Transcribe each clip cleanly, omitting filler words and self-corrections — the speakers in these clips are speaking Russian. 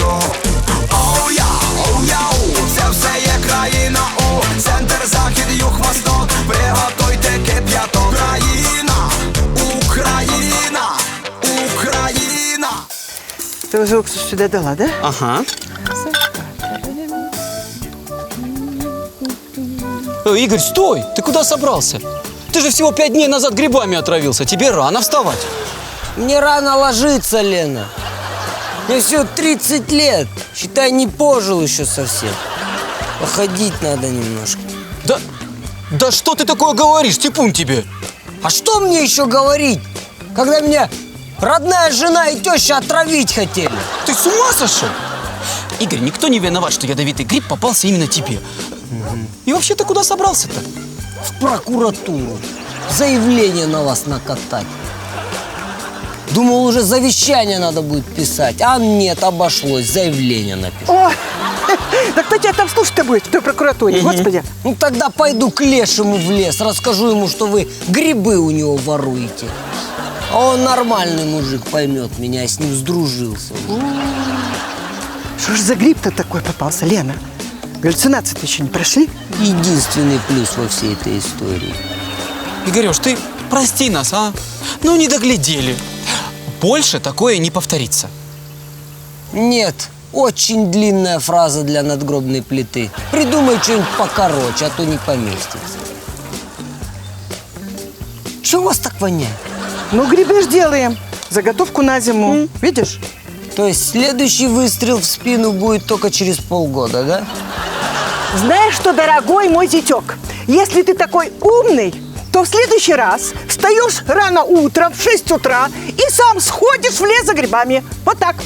Оу-я, оу-яу, це все є країна у центр, захід, юг, восток. Приготуйте кип'яток. Україна, Україна, Україна. Ты уже уксус сюда дала, да? Ага. Игорь, стой! Ты куда собрался? Ты же всего 5 дней назад грибами отравился. Тебе рано вставать. Мне рано ложиться, Лена. Мне всего 30 лет. Считай, не пожил еще совсем. Походить надо немножко. Да что ты такое говоришь? Типун тебе. А что мне еще говорить, когда меня родная жена и теща отравить хотели? Ты с ума сошел? Игорь, никто не виноват, что ядовитый гриб попался именно тебе. И вообще ты куда собрался-то? В прокуратуру. Заявление на вас накатать. Думал, уже завещание надо будет писать. А нет, обошлось. Заявление написать. О, да кто тебя там слушать-то будет в той прокуратуре, господи? Ну тогда пойду к лешему в лес. Расскажу ему, что вы грибы у него воруете. А он нормальный мужик, поймет меня. Я с ним сдружился. Что ж за гриб-то такой попался, Лена? Галлюцинации-то еще не прошли? Единственный плюс во всей этой истории. Игорёш, ты прости нас, а? Ну, не доглядели. Больше такое не повторится. Нет, очень длинная фраза для надгробной плиты. Придумай что-нибудь покороче, а то не поместится. Чего у вас так воняет? Ну, грибы ж делаем. Заготовку на зиму. Видишь? То есть следующий выстрел в спину будет только через полгода, да? Знаешь что, дорогой мой зятек, если ты такой умный, то в следующий раз встаешь рано утром в 6 утра и сам сходишь в лес за грибами. Вот так.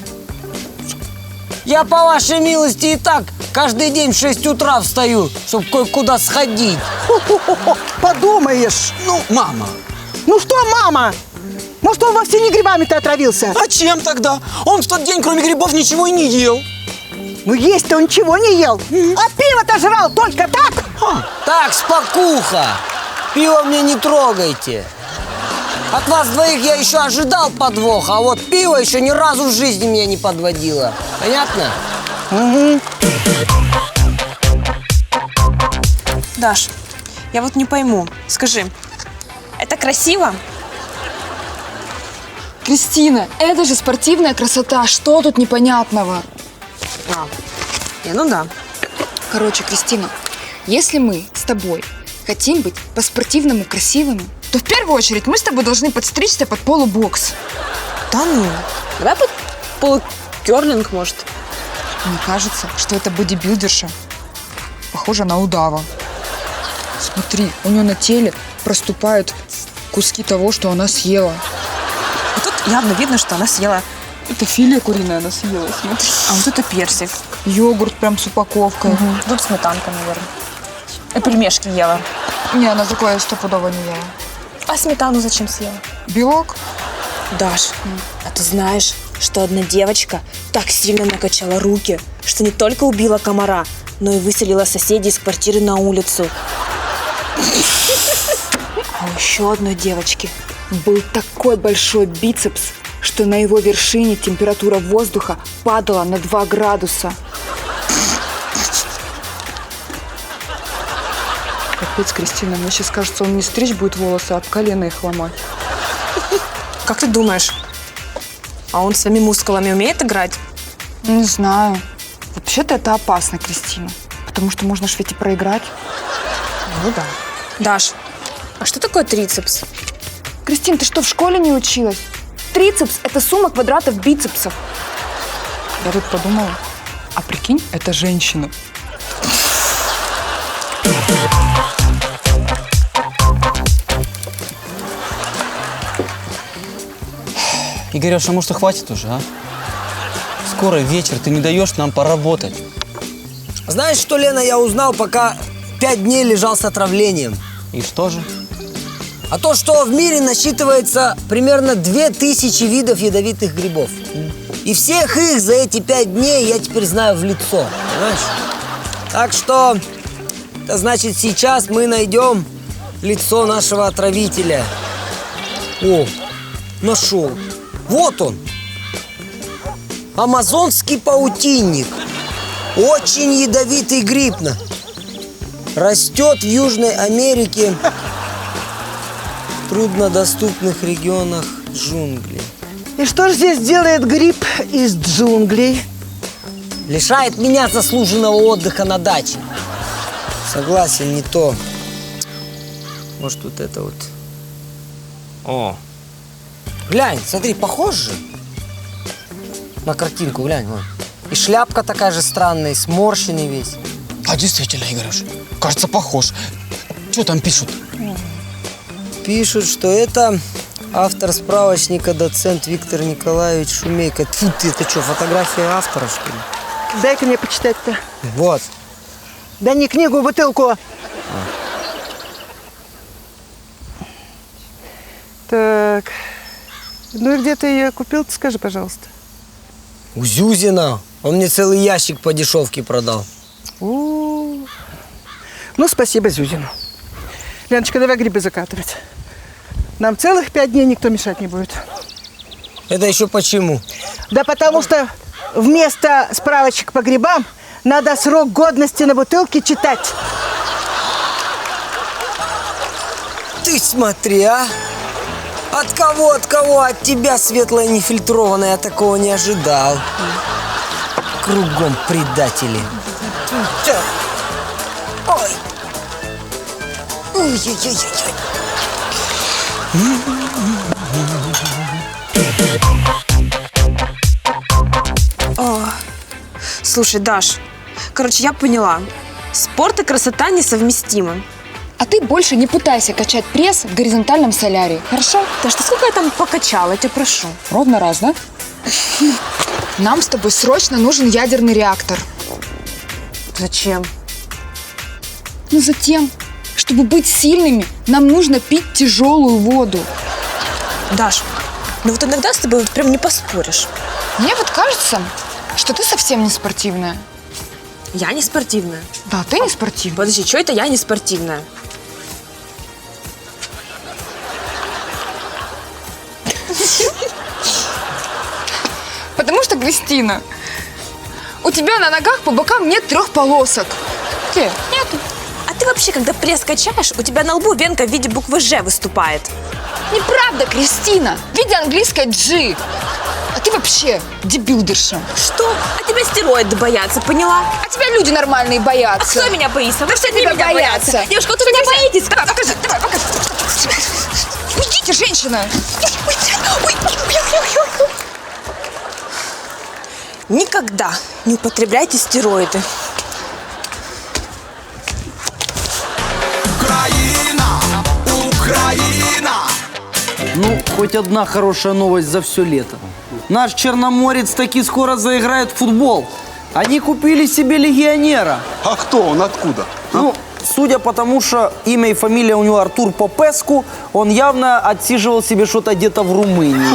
Я, по вашей милости, и так каждый день в 6 утра встаю, чтобы кое-куда сходить. Хо-хо-хо, подумаешь. Ну, мама. Ну что, мама? Может, он вовсе не грибами-то отравился? А чем тогда? Он в тот день, кроме грибов, ничего и не ел. Ну, есть-то он ничего не ел. А пиво-то жрал только так. Так, спокуха. Пиво мне не трогайте. От вас двоих я еще ожидал подвоха, а вот пиво еще ни разу в жизни меня не подводило. Понятно? Угу. Даш, я вот не пойму. Скажи, это красиво? Кристина, это же спортивная красота. Что тут непонятного? Ну да. Короче, Кристина, если мы с тобой хотим быть по-спортивному красивыми, то в первую очередь мы с тобой должны подстричься под полубокс. Да ну. Давай под полукерлинг, может. Мне кажется, что эта бодибилдерша похожа на удава. Смотри, у нее на теле проступают куски того, что она съела. А тут явно видно, что она съела. Это филе куриное она съела, смотри. А вот это персик. Йогурт прям с упаковкой. Тут сметанка, наверное. И пельмешки ела. Не, она такое стопудово не ела. А сметану зачем съела? Белок? Даш, а ты знаешь, что одна девочка так сильно накачала руки, что не только убила комара, но и выселила соседей из квартиры на улицу. А у еще одной девочки был такой большой бицепс, что на его вершине температура воздуха падала на 2 градуса. Капец, Кристина, мне сейчас кажется, он не стричь будет волосы, а об колено их ломать. Как ты думаешь, а он своими мускулами умеет играть? Не знаю. Вообще-то это опасно, Кристина. Потому что можно ж ведь и проиграть. Ну да. Даш, а что такое трицепс? Кристин, ты что, в школе не училась? Трицепс – это сумма квадратов бицепсов. Я тут подумала, а прикинь, это женщина. Игорёш, а может, и хватит уже, а? Скоро вечер, ты не даешь нам поработать. Знаешь, что, Лена, я узнал, пока 5 дней лежал с отравлением? И что же? А то, что в мире насчитывается примерно 2000 видов ядовитых грибов. И всех их за эти 5 дней я теперь знаю в лицо, понимаешь? Так что, это значит, сейчас мы найдем лицо нашего отравителя. О, нашел. Вот он. Амазонский паутинник. Очень ядовитый гриб. Растет в Южной Америке, в труднодоступных регионах джунглей. И что же здесь делает гриб из джунглей? Лишает меня заслуженного отдыха на даче. Согласен, не то. Может, вот это вот. О. Глянь, смотри, похож же на картинку, глянь, вон. И шляпка такая же странная, и сморщенный весь. А действительно, Игорюш, кажется, похож. Что там пишут? Пишут, что это автор справочника, доцент Виктор Николаевич Шумейко. Тьфу ты, это что, фотография автора, что ли? Дай-ка мне почитать-то. Вот. Да не книгу, бутылку. Так. Ну и где ты ее купил, скажи, пожалуйста. У Зюзина. Он мне целый ящик по дешевке продал. Ну, спасибо Зюзину. Леночка, давай грибы закатывать. Нам целых 5 дней никто мешать не будет. Это еще почему? Да потому что вместо справочек по грибам надо срок годности на бутылке читать. Ты смотри, а? От кого? От тебя, светлая нефильтрованная, я такого не ожидал. Кругом предатели. Ой. Ой-ой-ой-ой. Слушай, Даш, короче, я поняла. Спорт и красота несовместимы. А ты больше не пытайся качать пресс в горизонтальном солярии, хорошо? Даш, ты сколько я там покачала, я тебя прошу. Ровно раз, да? Нам с тобой срочно нужен ядерный реактор. Зачем? Ну, затем, чтобы быть сильными, нам нужно пить тяжелую воду. Даш, ну вот иногда с тобой вот прям не поспоришь. Мне вот кажется, что ты совсем не спортивная. Я не спортивная. Да, ты не спортивная. Подожди, что это я не спортивная? Потому что, Кристина, у тебя на ногах по бокам нет 3 полосок. Где? Нету. А ты вообще, когда пресс качаешь, у тебя на лбу венка в виде буквы «Ж» выступает. Неправда, Кристина. В виде английской G. А ты вообще дебилдерша. Что? А тебя стероиды боятся, поняла? А тебя люди нормальные А боятся. кто меня боится? Вы все тебя меня боятся? боятся. Девушка, вот вы меня боитесь. Давай, покажи, давай, покажи. Уйдите, женщина. Никогда не употребляйте стероиды. Украина, Украина. Ну, хоть одна хорошая новость за все лето. Наш черноморец таки скоро заиграет в футбол. Они купили себе легионера. А кто он, откуда? Ну, судя по тому, что имя и фамилия у него Артур Попеску, он явно отсиживал себе что-то где-то в Румынии.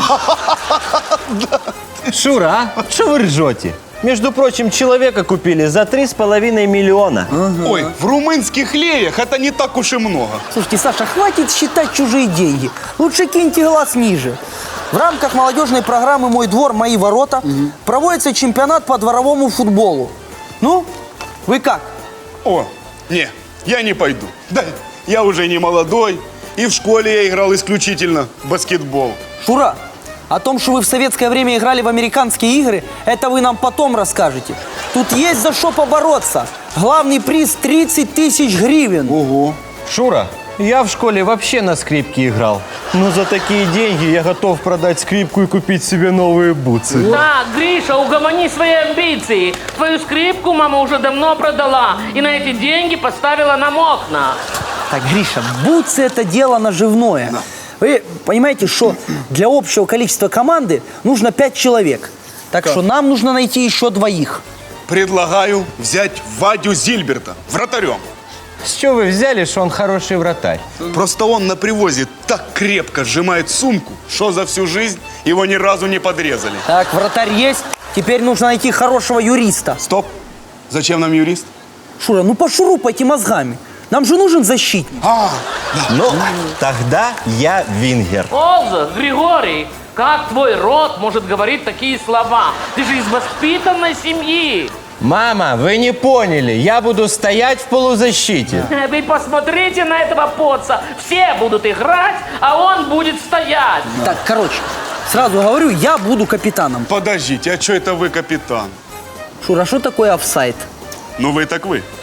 Шура, а? Что вы ржете? Между прочим, человека купили за 3,5 миллиона. Ой, в румынских леях это не так уж и много. Слушайте, Саша, хватит считать чужие деньги. Лучше киньте глаз ниже. В рамках молодежной программы «Мой двор, мои ворота» проводится чемпионат по дворовому футболу. Ну, вы как? О, не, я не пойду. Да, я уже не молодой, и в школе я играл исключительно в баскетбол. Шура, о том, что вы в советское время играли в американские игры, это вы нам потом расскажете. Тут есть за что побороться. Главный приз 30 тысяч гривен. Ого. Шура, я в школе вообще на скрипке играл. Но за такие деньги я готов продать скрипку и купить себе новые бутсы. Так, Гриша, угомони свои амбиции. Твою скрипку мама уже давно продала и на эти деньги поставила нам окна. Так, Гриша, бутсы это дело наживное. Вы понимаете, что для общего количества команды нужно 5 человек. Так что нам нужно найти еще 2. Предлагаю взять Вадю Зильберта вратарем. С чего вы взяли, что он хороший вратарь? Просто он на привозе так крепко сжимает сумку, что за всю жизнь его ни разу не подрезали. Так, вратарь есть. Теперь нужно найти хорошего юриста. Стоп. Зачем нам юрист? Шура, ну пошурупайте мозгами. Нам же нужен защитник. Ну, тогда я вингер. Олза, Григорий, Как твой род может говорить такие слова? Ты же из воспитанной семьи. Мама, вы не поняли. Я буду стоять в полузащите. Вы посмотрите на этого поца. Все будут играть, а он будет стоять. Так, короче, сразу говорю, я буду капитаном. Подождите, а что это вы капитан? Шура, что такое офсайд? Ну вы так вы.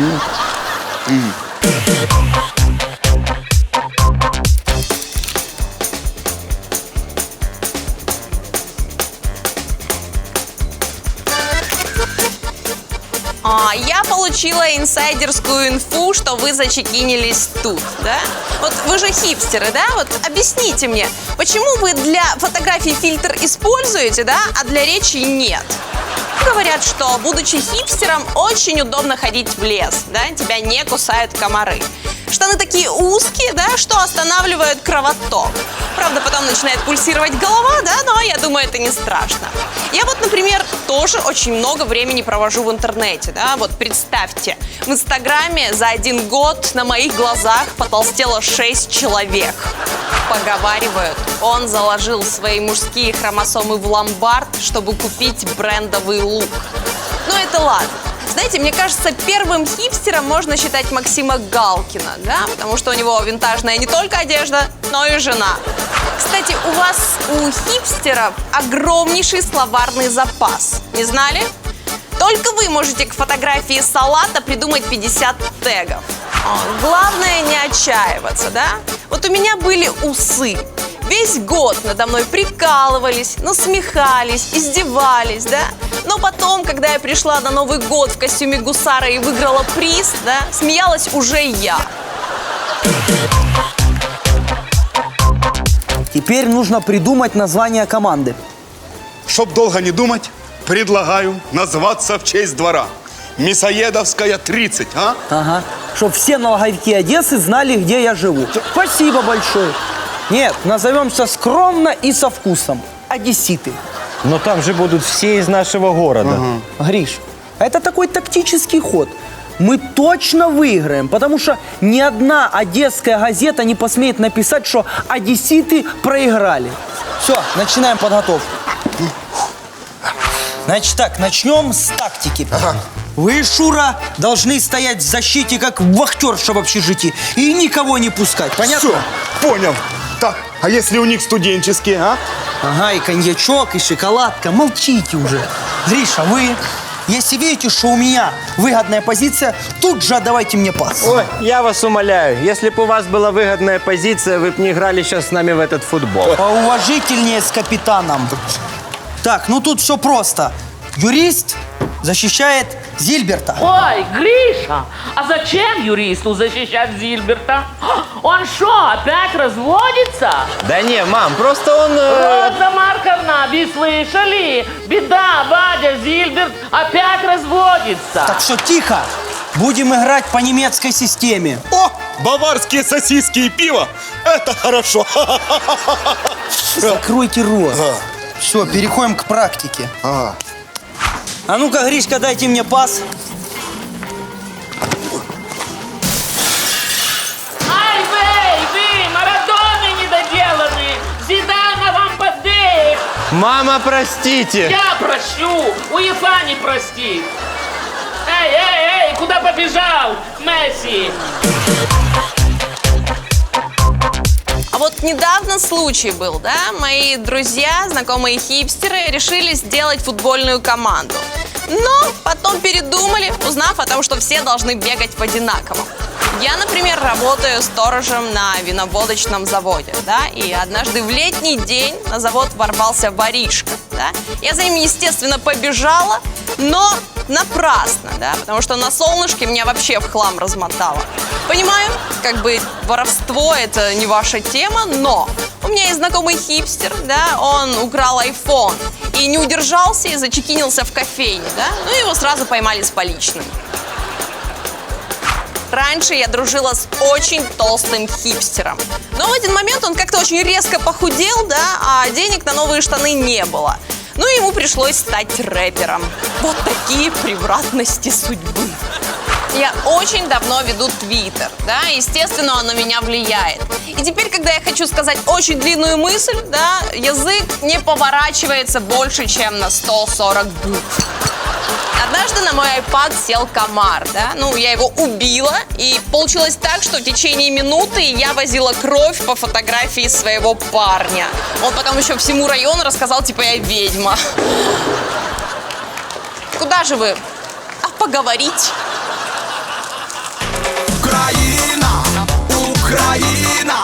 Я получила инсайдерскую инфу, что вы зачекинились тут, да? Вот вы же хипстеры, да? Вот объясните мне, почему вы для фотографий фильтр используете, да, а для речи нет? Говорят, что, будучи хипстером, очень удобно ходить в лес, да? Тебя не кусают комары. Штаны такие узкие, да, что останавливают кровоток. Правда, потом начинает пульсировать голова, да, но я думаю, это не страшно. Я вот, например, тоже очень много времени провожу в интернете, да, вот представьте, в Инстаграме за 1 год на моих глазах потолстело 6 человек. Поговаривают, он заложил свои мужские хромосомы в ломбард, чтобы купить брендовый лук. Ну это ладно. Знаете, мне кажется, первым хипстером можно считать Максима Галкина, да? Потому что у него винтажная не только одежда, но и жена. Кстати, у вас, у хипстеров, огромнейший словарный запас. Не знали? Только вы можете к фотографии салата придумать 50 тегов. Главное не отчаиваться, да? Вот у меня были усы. Весь год надо мной прикалывались, насмехались, издевались, да? Но потом, когда я пришла на Новый год в костюме гусара и выиграла приз, да, смеялась уже я. Теперь нужно придумать название команды. Чтоб долго не думать, предлагаю назваться в честь двора. Мясоедовская 30, а? Ага. Чтоб все налоговики Одессы знали, где я живу. Спасибо большое. Нет, назовемся скромно и со вкусом. Одесситы. Но там же будут все из нашего города. Гриш, это такой тактический ход. Мы точно выиграем, потому что ни одна одесская газета не посмеет написать, что одесситы проиграли. Все, начинаем подготовку. Значит так, начнем с тактики. Вы, Шура, должны стоять в защите, как вахтерша в общежитии, и никого не пускать, понятно? Все, понял. Так, а если у них студенческие, а? Ага, и коньячок, и шоколадка. Молчите уже. Гриша, вы, если видите, что у меня выгодная позиция, тут же отдавайте мне пас. Ой, я вас умоляю, если бы у вас была выгодная позиция, вы бы не играли сейчас с нами в этот футбол. Поуважительнее с капитаном. Так, ну тут все просто. Юрист защищает Зильберта. Ой, Гриша, а зачем юристу защищать Зильберта? Он что, опять разводится? Да не, мам, просто он... Роза Марковна, вы слышали? Беда, Вадя Зильберт опять разводится. Так что тихо. Будем играть по немецкой системе. О, баварские сосиски и пиво. Это хорошо. Закройте рот. Все, переходим к практике. А ну-ка, Гришка, дайте мне пас. Ай, вы, Марадоны недоделанные. Зидана вам поддых. Мама, простите. Я прощу, УЕФА не простит. Эй, куда побежал, Месси? А вот недавно случай был, да? Мои друзья, знакомые хипстеры, решили сделать футбольную команду. Но потом передумали, узнав о том, что все должны бегать в одинаковом. Я, например, работаю сторожем на виноводочном заводе, да? И однажды в летний день на завод ворвался воришка, да? Я за ним, естественно, побежала, но напрасно, да? Потому что на солнышке меня вообще в хлам размотало. Понимаю, как бы воровство – это не ваша тема, но у меня есть знакомый хипстер, да, он украл iPhone и не удержался и зачекинился в кофейне, да, ну его сразу поймали с поличным. Раньше я дружила с очень толстым хипстером, но в один момент он как-то очень резко похудел, да, а денег на новые штаны не было. Ну и ему пришлось стать рэпером. Вот такие превратности судьбы. Я очень давно веду Твиттер, да, естественно, он на меня влияет. И теперь, когда я хочу сказать очень длинную мысль, да, язык не поворачивается больше, чем на 140 букв. Однажды на мой iPad сел комар, да, ну, я его убила, и получилось так, что в течение минуты я возила кровь по фотографии своего парня. Он потом еще всему району рассказал, типа, я ведьма. Куда же вы? А поговорить? Україна, Україна.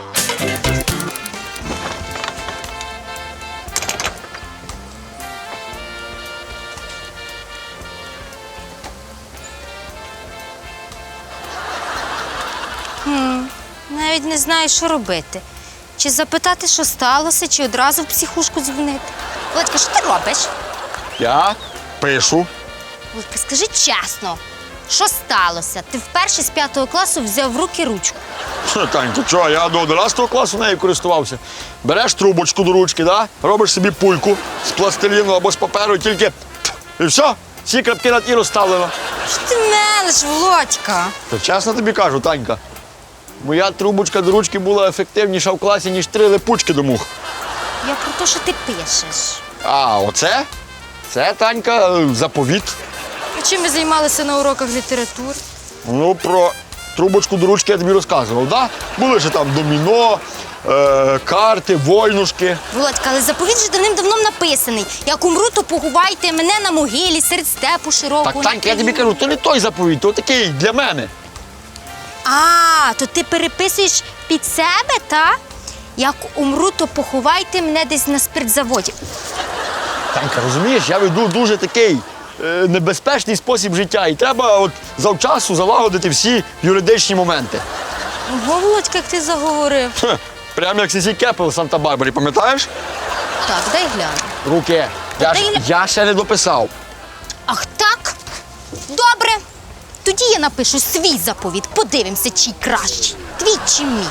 Навіть не знаю, що робити. Чи запитати, що сталося, чи одразу в психушку дзвонити. Володька, що ти робиш? Я пишу. Володька, скажи чесно, що сталося? Ти вперше з 5 класу взяв в руки ручку. Тань, ти чого, я до 11 класу нею користувався. Береш трубочку до ручки, да? Робиш собі пульку з пластиліну або з паперу, тільки і все, всі крапки над «і» розставлено. Що ти мелиш, Володька? Та чесно тобі кажу, Танька, моя трубочка до ручки була ефективніша в класі, ніж 3 липучки до мух. Я про те, що ти пишеш. А оце? Це, Танька, заповіт. А чим ви займалися на уроках літератури? Ну, про трубочку до ручки я тобі розказував, да? Були ж там доміно, карти, войнушки. Володька, але заповіт же давним-давно написаний. Як умру, то поховайте мене на могилі серед степу широкого. Так, Танька, я тобі кажу, то не той заповіт, то такий для мене. А, то ти переписуєш під себе, та? Як умру, то поховайте мене десь на спиртзаводі. Танька, розумієш, я веду дуже такий небезпечний спосіб життя. І треба от завчасу залагодити всі юридичні моменти. Ого, Володька, як ти заговорив. Прямо як Сісі Кепел в Санта-Барбарі, пам'ятаєш? Так, дай гляну. Руки. Я ще не дописав. Ах так? Добре. Тоді я напишу свій заповіт. Подивимося, чий кращий. Твій чи мій.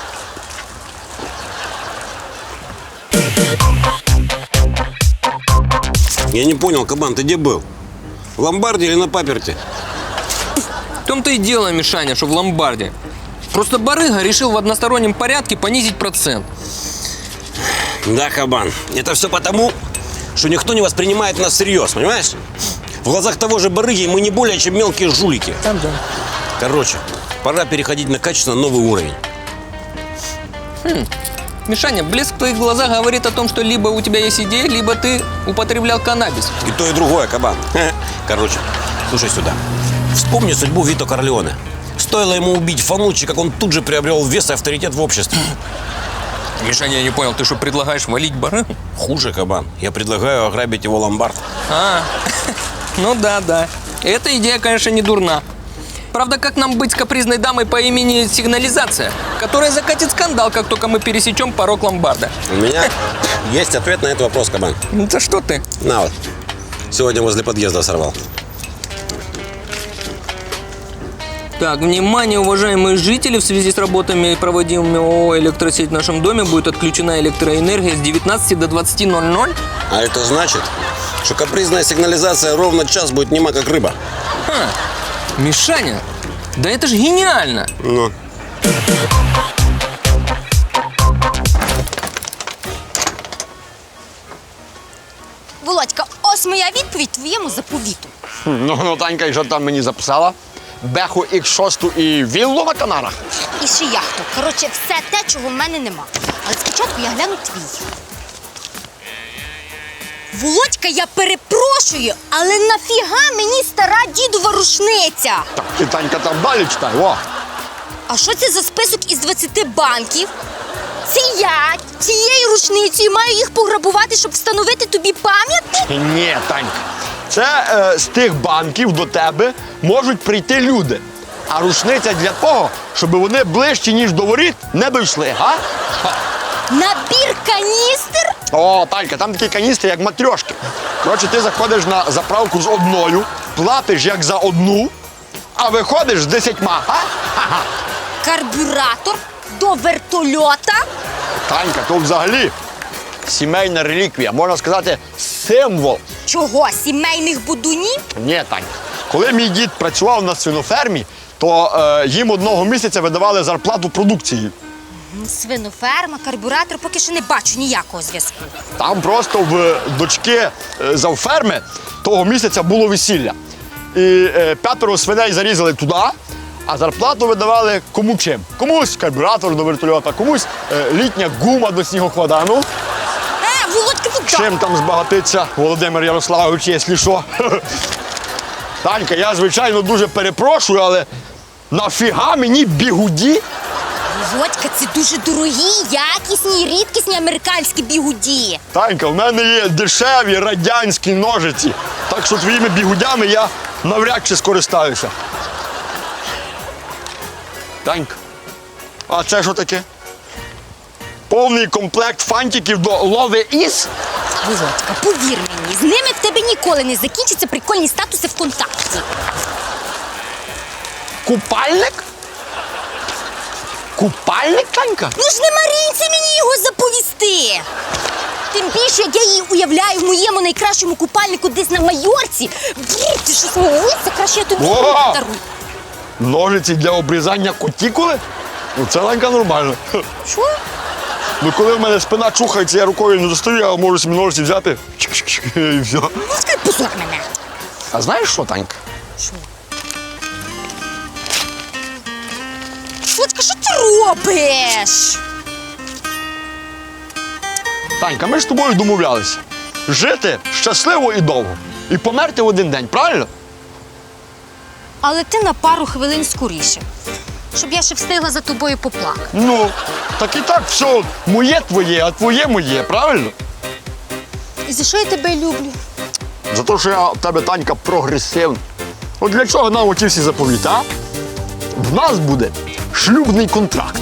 Я не понял, кабан, ты где был? В ломбарде или на паперте? В том-то и дело, Мишаня, что в ломбарде. Просто барыга решил в одностороннем порядке понизить процент. Да, кабан. Это все потому, что никто не воспринимает нас всерьез, понимаешь? В глазах того же барыги мы не более, чем мелкие жулики. Там, да. Короче, пора переходить на качественно новый уровень. Мишаня, блеск в твоих глазах говорит о том, что либо у тебя есть идея, либо ты употреблял каннабис. И то, и другое, кабан. Короче, слушай сюда. Вспомни судьбу Вито Корлеоне. Стоило ему убить Фануччи, как он тут же приобрел вес и авторитет в обществе. Мишаня, я не понял, ты что, предлагаешь валить барыгу? Хуже, кабан. Я предлагаю ограбить его ломбард. Ну да. Эта идея, конечно, не дурна. Правда, как нам быть с капризной дамой по имени Сигнализация, которая закатит скандал, как только мы пересечем порог ломбарда? У меня есть ответ на этот вопрос, кабан. Это что ты? На вот. Сегодня возле подъезда сорвал. Так, внимание, уважаемые жители, в связи с работами, проводимыми ООО «Электросеть» в нашем доме будет отключена электроэнергия с 19 до 20:00. А это значит, что капризная сигнализация ровно час будет нема, как рыба. Мишаня, да это ж гениально! Ну. Володька, ось моя відповідь твоєму заповіту. Ну, Танька, і що там мені записала? Беху X6 і віллу на Канарах? І ще яхту. Коротше, все те, чого в мене нема. Але спочатку я гляну твій. Володька, я перепрошую, але нафіга мені стара дідова рушниця? Так, ти, Танька, там далі читай, о! А що це за список із 20 банків? Це я цією рушницею маю їх пограбувати, щоб встановити тобі пам'ятник? Ні, Танька. Це з тих банків до тебе можуть прийти люди. А рушниця для того, щоб вони ближче, ніж до воріт, не дійшли, га? Набір каністр? О, Танька, там такі каністри, як матрьошки. Коротше, ти заходиш на заправку з одною, платиш як за одну, а виходиш з 10, га? Карбюратор до вертольота? Танька, то взагалі сімейна реліквія, можна сказати, символ. Чого, сімейних будунів? Ні, Танька. Коли мій дід працював на свинофермі, то їм одного місяця видавали зарплату продукції. Свиноферма, карбюратор, поки що не бачу ніякого зв'язку. Там просто в дочки завферми того місяця було весілля. І 5 свиней зарізали туди, а зарплату видавали кому чим. Комусь карбюратор до вертольота, комусь літня гума до снігохода. Ну, Володька, ну чим там збагатиться Володимир Ярославович, якщо що. Танька, я, звичайно, дуже перепрошую, але нафіга мені бігуді? Володька, це дуже дорогі, якісні, рідкісні американські бігуді. Танька, в мене є дешеві радянські ножиці, так що твоїми бігудями я навряд чи скористаюся. Танька, а це що таке? Повний комплект фантиків до лови із? Володька, повір мені, з ними в тебе ніколи не закінчаться прикольні статуси ВКонтакті. Купальник? Купальник, Танька? Ну ж не Марінці мені його заповісти! Тим більше, як я її уявляю в моєму найкращому купальнику десь на Майорці. Бррр, ти що смілився? Краще я тобі подарую. Ножиці для обрізання кутікули? Ну це, Танька, нормально. Що? Ну коли в мене спина чухається, я рукою не достаю, я можу собі ножиці взяти і все. Ну, скажи, позор мене. А знаєш що, Танька? Що? Володька, що ти робиш? Танька, ми ж з тобою домовлялися. Жити щасливо і довго. І померти в один день, правильно? Але ти на пару хвилин скоріше, щоб я ще встигла за тобою поплакати. Ну, так і так все моє твоє, а твоє моє, правильно? І за що я тебе люблю? За те, що я в тебе, Танька, прогресивна. От для чого нам оті всі заповіти, а? В нас буде шлюбний контракт.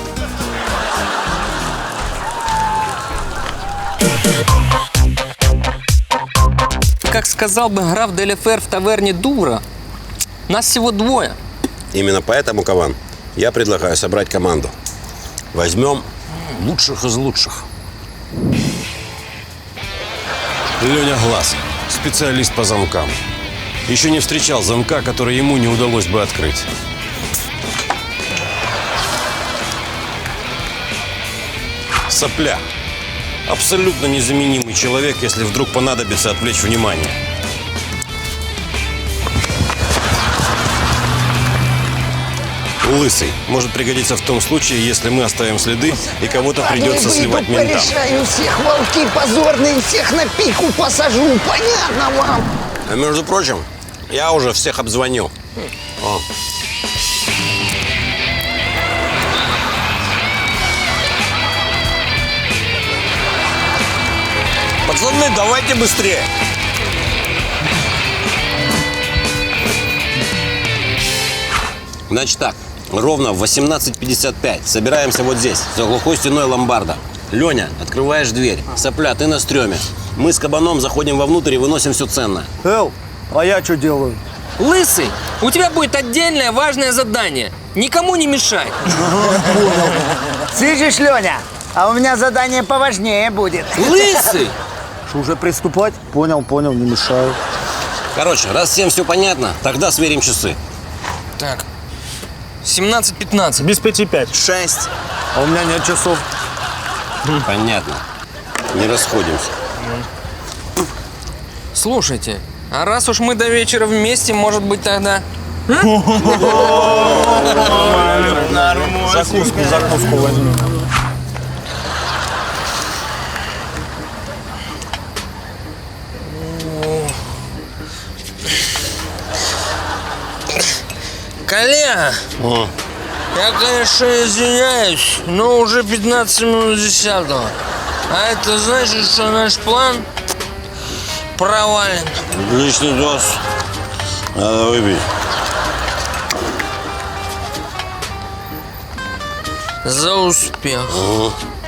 Как сказал бы граф Деляфер в таверне Дура, нас всего двое. Именно поэтому, Кабан, я предлагаю собрать команду. Возьмем лучших из лучших. Леня Глаз, специалист по замкам. Еще не встречал замка, который ему не удалось бы открыть. Сопля. Абсолютно незаменимый человек, если вдруг понадобится отвлечь внимание. Лысый может пригодиться в том случае, если мы оставим следы и кого-то придется сливать ментам. Порешаю всех, волки позорные, всех на пику посажу, понятно вам? А между прочим, я уже всех обзвонил. О. Пацаны, давайте быстрее. Значит так, ровно в 18:55 собираемся вот здесь, за глухой стеной ломбарда. Леня, открываешь дверь. Сопля, ты на стреме. Мы с Кабаном заходим вовнутрь и выносим все ценное. Эл, а я что делаю? Лысый, у тебя будет отдельное важное задание. Никому не мешай. Слышишь, Леня, а у меня задание поважнее будет. Лысый! Что, уже приступать? Понял, не мешаю. Короче, раз всем все понятно, тогда сверим часы. Так, 17:15. Без 5:05. 6. А у меня нет часов. Понятно. Не расходимся. Слушайте, а раз уж мы до вечера вместе, может быть тогда... Закуску возьмем. Коллега, я, конечно, извиняюсь, но уже 15 минут 10-го. А это значит, что наш план провален. Лишний доз. Надо выпить. За успех. Угу.